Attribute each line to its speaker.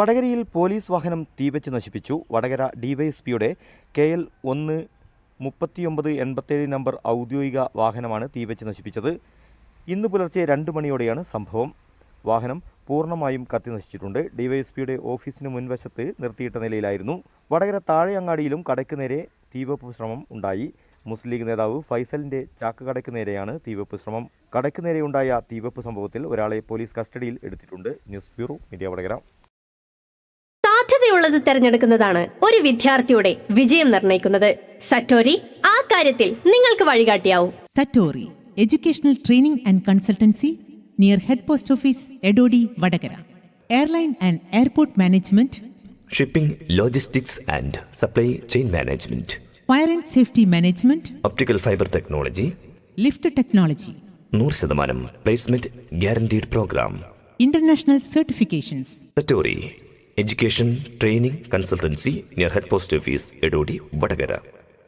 Speaker 1: വടകരയിൽ പോലീസ് വാഹനം തീവച്ച് നശിപ്പിച്ചു. വടകര ഡിവൈഎസ്പിയുടെ KL 13987 നമ്പർ ഔദ്യോഗിക വാഹനമാണ് തീവച്ച് നശിപ്പിച്ചത്. ഇന്ന് പുലർച്ചെ 2 മണിയോടെയാണ് സംഭവം. വാഹനം പൂർണ്ണമായും കത്തിനശിച്ചിട്ടുണ്ട്. ഡിവൈഎസ്പിയുടെ ഓഫീസിന് മുൻവശത്ത് നിർത്തിയിട്ട നിലയിലായിരുന്നു. വടകര താഴെയങ്ങാടിയിലും കടയ്ക്ക് നേരെ തീവെപ്പ് ശ്രമം ഉണ്ടായി. മുസ്ലിം ലീഗ് നേതാവ് ഫൈസലിന്റെ ചാക്ക് കടയ്ക്ക് നേരെയാണ് തീവെപ്പ് ശ്രമം. കടയ്ക്ക് നേരെയുണ്ടായ തീവെപ്പ് സംഭവത്തിൽ ഒരാളെ പോലീസ് കസ്റ്റഡിയിൽ എടുത്തിട്ടുണ്ട്. News bureau, media Vadakara.
Speaker 2: സാധ്യതയുള്ളത് തിരഞ്ഞെടുക്കുന്നതാണ് ഒരു വിദ്യാർത്ഥിയുടെ വിജയം നിർണ്ണയിക്കുന്നത്. സറ്റോരി ആ കാര്യത്തിൽ നിങ്ങൾക്ക് വഴികാട്ടിയാവും.
Speaker 3: Satori educational training and consultancy near head post office Edodi Vadakara. Airline and airport management,
Speaker 4: shipping, logistics and supply chain management,
Speaker 3: fire and safety management,
Speaker 4: optical fibre technology,
Speaker 3: lift technology,
Speaker 4: 100% placement guaranteed programme,
Speaker 3: international certifications.
Speaker 4: Satori education training consultancy near head post office Edodi Vadakara.